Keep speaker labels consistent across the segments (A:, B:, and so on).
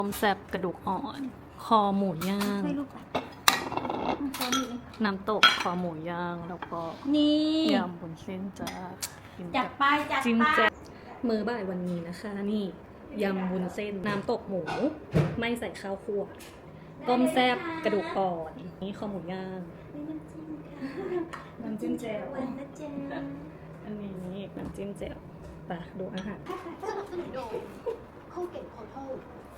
A: ต้มแซ่บกระดูกอ่อน คอหมูย่าง น้ำตกคอหมูย่าง แล้วก็
B: นี่
A: ยำบุญเส้นจ้ากิน
B: จั
A: กั
B: ด
A: บ
B: ไปจัด
A: จิ้ม
B: ไป
A: แจ่วมือบ่ายวันนี้นะคะ นี่ยำบุญเส้น น้ำตกหมู ไม่ใส่ข้าวคั่วต้มแซ่บกระดูกอ่อน นี่คอหมูย่าง น้ำจิ้มแจ่ว
B: วันนะจ๊ะ
A: อันนี้น้ำจิ้มแจ่วไปดูอาหาร
B: เข้าเก่งขอโทษ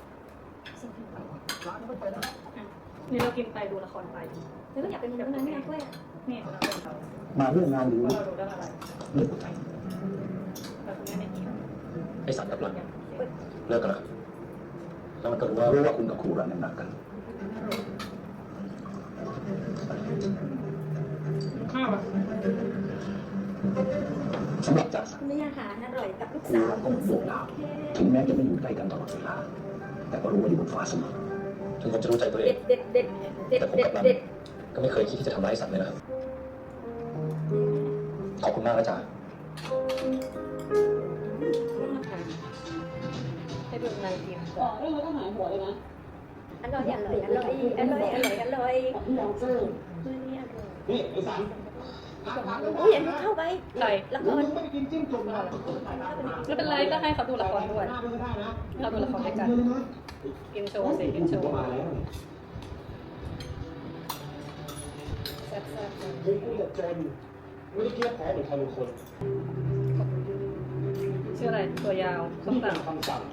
A: นี่เรากินไปดูละครไป
B: แล้วก็อยากเป็นแบบนั้นไงกล้วย
A: นี่เราเป็นเรา
C: มาเรื่องงานหรือ
A: เราดูเรื่องอะไร
C: เรื่องหัวใจ
A: เราคุณแม่ไม่กิน
C: ไอ้สัตว์กับหลังเลิกกันแล้วครับแล้วมันก็รู้ว่าคุณกับครูรันยังหนักกัน
A: ข้าวอ่ะ
C: สำหรับจ่าสักดิ์
B: นี่อาหารอร่อยกับลูก
C: ครู
B: สาว
C: รันก็เหมือนโบกดาวถึงแม้จะไม่อยู่ใกล้กันตลอดเวลาแต่ก็รู้ว่าอยู่บนฟ้าเสมอถึงผมจะรู้ใจตัวเอ
B: เด็
C: ง
B: ดเด็ดเด็ดเด็ด
C: แต่ผม
B: เด็
C: กั
B: ด
C: บรัน
B: เด็ด
C: ก็ไม่เคยคิดที่จะทำร้ายสัตว์เลยนะครับขอบคุณมากนะจ๊ะ
A: ให้ดูนายกิน
D: อ๋อเรื่องต้องหายหัวเลยนะ
B: อร่อยอร่อยอร่อยอร่อยอร่อยอร่อย
D: ที่เราเจอ
B: นี่อร่อย
D: นี่ไอ้สัน
B: อุ้ยอันนี้เข้าไป
A: ใคร
B: ละค
D: มึ
B: รง
D: ไม่ได้กินจิ้มจุ่มนะ
A: ไม่เป็นไรก็ให้เขาดูละครด้วย
D: หน้าดูได้นะ
A: เราดูละครด้วยกันกินโชว์สิกินโชว์
D: มาแล้ว
A: แซ่บๆ
D: ถึงกูจะจนไม่ได้เกี้ยวแพ้เหมือนใครบางคน
A: ชื่ออะไรตัวยาวส้ม
D: นี่
A: ต
D: เป็นคำสั่ง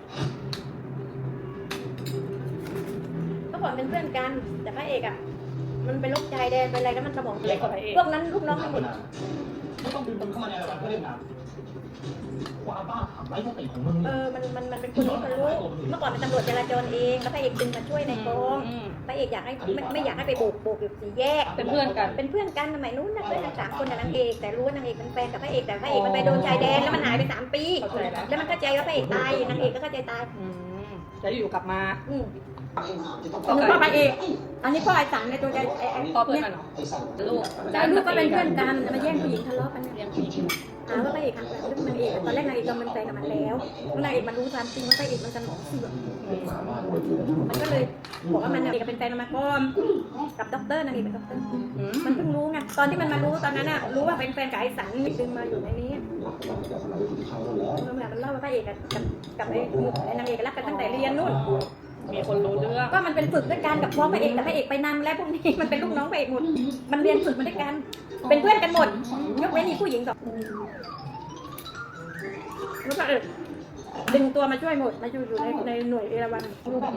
B: เมื่อก่อนเป็นเพื่อนกันแต่พระเอกอ่ะมันเป็นโรคใจแดนเป็นอะไรแล้วมันสมอง
A: ำเล็กกว่าพระเอก
B: พวกนั้นลูกน้องทั้งหมด
D: ไม่ต้องดึงมันเข้ามาในระดับเพื่อนนะความบ้าทำไร้สติของมึง
B: มันเป็นคนรู้กันรู้เมื่อก่อนเป็นตำรวจจราจรเองแล้วพระเอกดึงมาช่วยในกอง
A: อืม
B: พระเอกอยากให้ไม่อยากให้ไปโบกอยู่สี่แยก
A: เป็นเพื่อนกัน
B: เป็นเพื่อนกันสมัยนู้นนะเพื่อนกัน3 คนกับนางเอกแต่รู้ว่านางเอกเป็นแฟนกับพระเอกแต่พระเอกมันไปโดนชายแดนแล้วมันหายไป3 ปี
A: เข้าใจแล้ว
B: แล้วมันเข้าใจว่าพระเอกตายนางเอกก็เข้าใจตาย
A: อืมแล้วอยู่กลับมา
B: อืม
A: ก็
B: พ่อพระเอกอันนี้พ่อไอ้สังในตัวใจ
A: พ่อเพื่อนกันเหรอลูก
B: แล้วลูกก็เป็นเพื่อนกันมาแย่งผู้หญิงทะเลาะกัน
A: เลี้ยงผู้หญิง
B: หาว่าพระเอกหักหลังเรื่องนางเอกตอนแรกนางเอกยอมเป็นแฟนกับมันแล้วนางเอกมันรู้ความจริงว่าพระเอกมันสมองเสื่อมมันก็เลยบอกว่ามันนางเอกเป็นแฟนกันมาก่อนกับด็อกเตอร์นางเอกเป็นด็อกเตอร์
A: อืม
B: มันเพิ่งรู้ไงตอนที่มันมารู้ตอนนั้นน่ะรู้ว่าเป็นแฟนกับไอ้สันดึงมาอยู่ในนี้มันเล่าว่าพระเอกกับไอ้นางเอกรักกันตั้งแต่เรียนนู่น
A: มีคนรู้เรื่อง
B: ก็มันเป็นฝึกด้วยกันกับพ่อพระเอกแต่พระเอกไปนำและพวกนี้มันเป็นลูกน้องพระเอกหมดมันเรียนฝึกมาด้วยกันเป็นเพื่อนกันหมดยกเว้นมีผู้หญิง2แล้วก็ดึงตัวมาช่วยหมดมาอยู่ในหน่วยเอราวัณ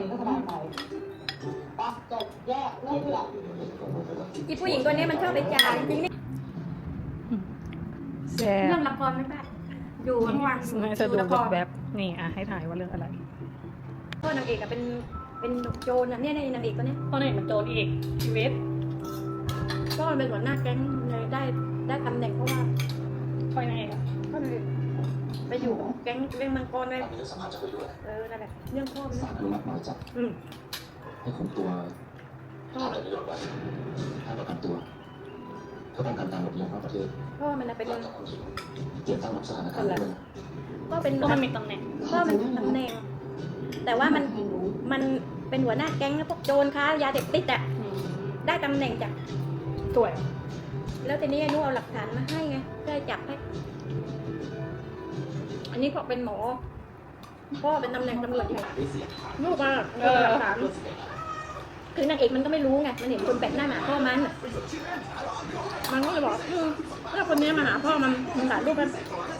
D: จบแยกเลิกหลับ
B: อีผู้หญิงตัวนี้มันชอบไปจ่ายจริงนี่
A: แซ่
B: เรื่
A: บ
B: องละครไม่ได้อยู่ทั้งวัน
A: ให้เธอดูแบบๆนี่อ่ะให้ถ่ายว่าเรื่องอะไร
B: พ่อนางเอกอะเป็นโจรอะเนี่ยนางเอกตัวเนี้ย
A: เพราะนี่มันโจรอีกชีวิต
B: ก็มันเป็นหัวหน้าแก๊งเลยได้ตำแหน่งเพราะว่า
A: ช่วยนายเอกอะ
B: ก็เลยไปอยู่แก๊งเรื่องมังกรเลย
C: มีเรื่องสำคัญจะคุยด้วย
B: นั่นแหละเรื่องพ่อมัน
C: ศาลอนุมัติหมายจับ
B: อืม
C: ให้คุมตัวทำอะไรประโยชน์ไว้ให้ประกันตัวเพื่อป้องกันการหลบหนีนอกประเทศ
B: พ่อมันเป็น
C: เราจะคนผิดเตรียมตั้งรับสถานการณ์ด้วยนะ
B: ก็เป็น
A: ก็มันมีตำแหน่ง
B: พ่อมันตำแหน่ง แต่ว่ามันเป็นหัวหน้าแก๊งนะพวกโจรค้ายาเสพติดอะ
A: อืม
B: ได้ตำแหน่งจาก
A: สวย
B: แล้วทีนี้ไอ้นุเอาหลักฐานมาให้ไงเพื่อจับให้อันนี้ก็เป็นหมอพ่อเป็นตำแหน่งตำรวจอยู่ลูกมาเอาหลักฐานคือนางเอกมันก็ไม่รู้ไงมันเห็นคนแปลกหน้ามาหาพ่อมันก็เลยบอกถ้าคนนี้มาหาพ่อมันถ่ายรูปกัน